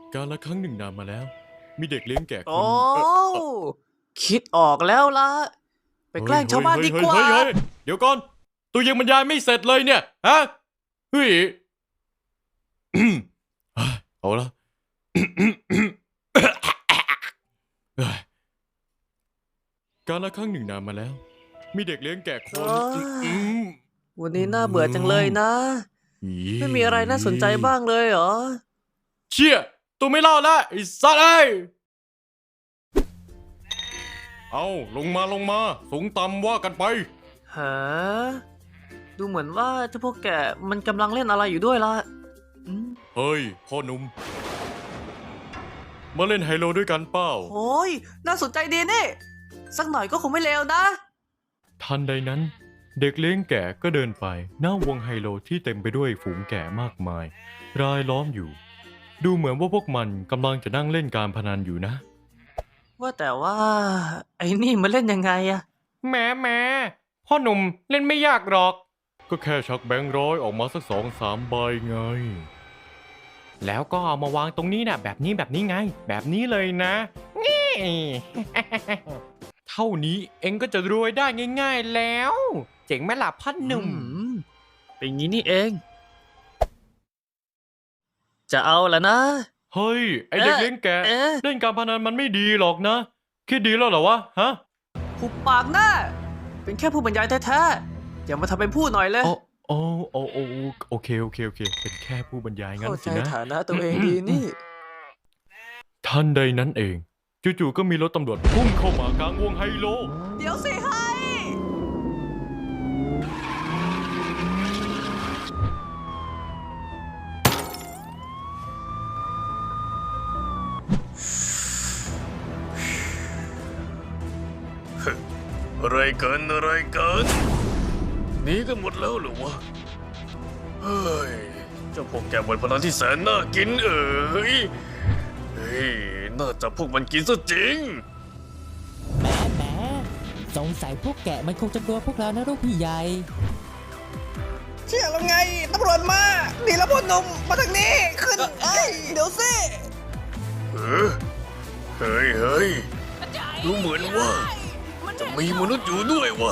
กาลครั้งหนึ่งนานมาแล้ว มีเด็กเลี้ยงแกะคนโอ้คิดออกแล้วล่ะ ไปแกล้งชาวบ้านดีกว่าเฮ้ยเดี๋ยวก่อน ตัวยังบรรยายไม่เสร็จเลยเนี่ย ฮะ เฮ้ย เอาละ กาลครั้งหนึ่งนานมาแล้ว มีเด็กเลี้ยงแกะคนวันนี้น่าเบื่อจังเลยนะ ไม่มีอะไรน่าสนใจบ้างเลยเหรอเชี่ยตัวไม่เล่าละไอ้สัตว์เอ้ยเอาลงมาสูงต่ำว่ากันไปฮะ ดูเหมือนว่าเจ้าพวกแกมันกำลังเล่นอะไรอยู่ด้วยล่ะอืมเฮ้ยพ่อหนุ่มมาเล่นไฮโลด้วยกันเปล่าโอ้ยน่าสนใจดีนี่ สักหน่อยก็คงไม่เลวนะทันใดนั้น เด็กเลี้ยงแกะก็เดินไปหน้าวงไฮโลที่เต็มไปด้วยฝูงแกะมากมาย รายล้อมอยู่ ดูเหมือนว่าพวกมันกำลังจะนั่งเล่นการพนันอยู่นะว่าแต่ว่า ไอ้นี่มันเล่นยังไงอะแหมพ่อหนุ่มเล่นไม่ยากหรอก ก็แค่ชักแบงค์ร้อยออกมาสัก2-3 ใบไง แล้วก็เอามาวางตรงนี้นะแบบนี้ไง แบบนี้เลยนะนี่ เท่านี้เอ็งก็จะรวยได้ง่ายๆแล้ว เจ๋งไหมล่ะพ่อหนุ่มเป็นงี้นี่เอง จะเอาละนะเฮ้ย ไอเด็กเลี้ยงแกะเอ๊ะเล่นการพนันมันไม่ดีหรอกนะ คิดดีแล้วเหรอวะฮะหุบปากหน้า เป็นแค่ผู้บรรยายแท้ๆ อย่ามาทำเป็นผู้หน่อยเลยโอเค เป็นแค่ผู้บรรยายงั้นเข้าสิใจนะฐานะตัวเองดีนี่ทันใดนั้นเอง จู่ๆก็มีรถตำรวจพุ่งเข้ามากลางวงไฮโลเดี๋ยวสิให้อะไรกันหนีกันหมดแล้วเหรอวะเฮ้ยเจ้าพวกแกบนพนันที่แสนน่ากินเฮ้ยน่าจะพวกมันกินซะจริงแหมสงสัยพวกแกะมันคงจะกลัวพวกเรานะลูกพี่ใหญ่เชื่อแล้วไงตำรวจมาหนีแล้วพ่อหนุ่มมาทางนี้ขึ้นเดี๋ยวสิเฮ้ยดูเหมือนว่าจะมีมนุษย์อยู่ด้วยวะ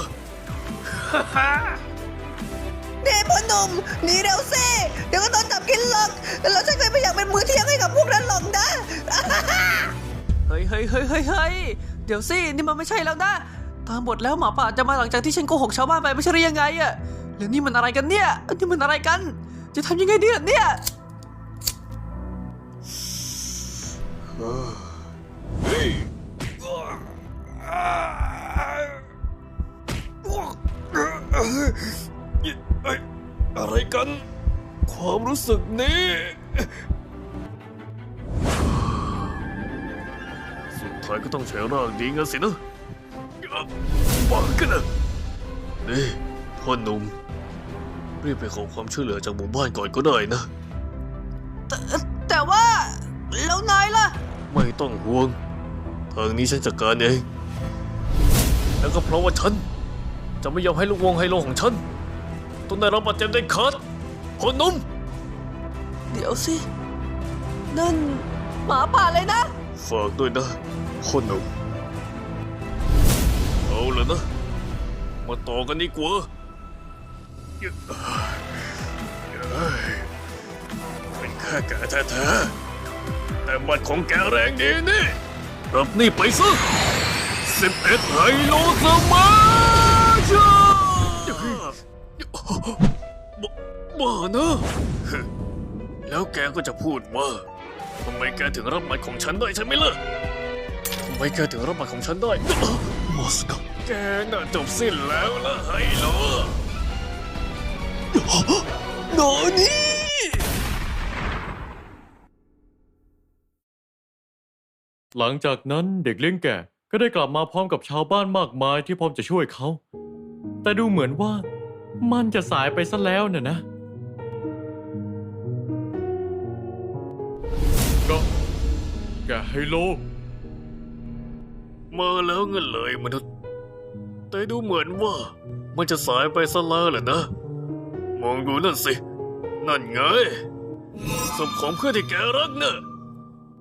นี่พ่อหนุ่มหนีเร็วสิเดี๋ยวก็โดนจับกินหรอกแล้วฉันก็ไม่อยากเป็นมือเที่ยงให้กับพวกนั้นหรอกนะเฮ้ย เดี๋ยวสิ นี่มันไม่ใช่แล้วนะ ตามบทแล้วหมาป่าจะมาหลังจากที่ฉันโกหกชาวบ้านไปไม่ใช่หรือยังไงอะแล้วนี่มันอะไรกันเนี่ย นี่มันอะไรกัน จะทำยังไงดีล่ะเนี่ยอะไรกัน ความรู้สึกนี้สุดท้ายก็ต้องใช้ร่างดีงั้นสินะบ้ากันนะนี่พ่อหนุ่มรีบไปขอความช่วยเหลือจากหมู่บ้านก่อนก็ได้นะแต่ว่าแล้วนายล่ะไม่ต้องห่วง ทางนี้ฉันจัดการเอง แล้วก็เพราะว่าฉัน จะไม่ยอมให้ลูกวงไฮโลของฉันต้องได้รับบาดเจ็บได้ขาดพ่อหนุ่มเดี๋ยวสิ นั่นหมาป่าเลยนะฝากด้วยนะพ่อหนุ่มเอาเลยนะ มาต่อกันดีกว่าเป็นแค่แกแท้ๆแต่บัตรของแกแรงดีนี่รับนี่ไปซะ11ไฮโลสมาชาบ้านะแล้วแกก็จะพูดว่าทำไมแกถึงรับบัตรของฉันได้ใช่ไหมล่ะทำไมแกถึงรับบัตรของฉันได้มอสกแกน่าจบสิ้นแล้วนะไฮโลโนนี่หลังจากนั้นเด็กเลี้ยงแกะก็ได้กลับมาพร้อมกับชาวบ้านมากมายที่พร้อมจะช่วยเขา แต่ดูเหมือนว่ามันจะสายไปซะแล้วนะ ก็แกะไฮโลมาแล้วเงินเลยมนุษย์ แต่ดูเหมือนว่ามันจะสายไปซะแล้วแหละนะ มองดูนั่นสิ นั่นไงศพของเพื่อนที่แกรักเนะ่ะ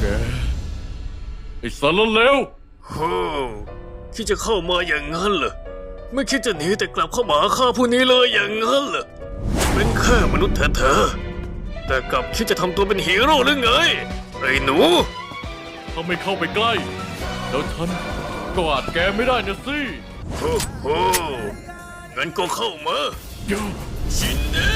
แกไอ้สารเลวโฮ้คิดจะเข้ามาอย่างนั้นเหรอไม่คิดจะหนีแต่กลับเข้ามาฆ่าผู้นี้เลยอย่างนั้นเหรอเป็นแค่มนุษย์แท้ๆแต่กลับคิดจะทำตัวเป็นฮีโร่หรือไงไอ้หนูถ้าไม่เข้าไปใกล้ แล้วฉันก็อาจแกไม่ได้นะสิโอ้โหงั้นก็เข้ามาชินเน่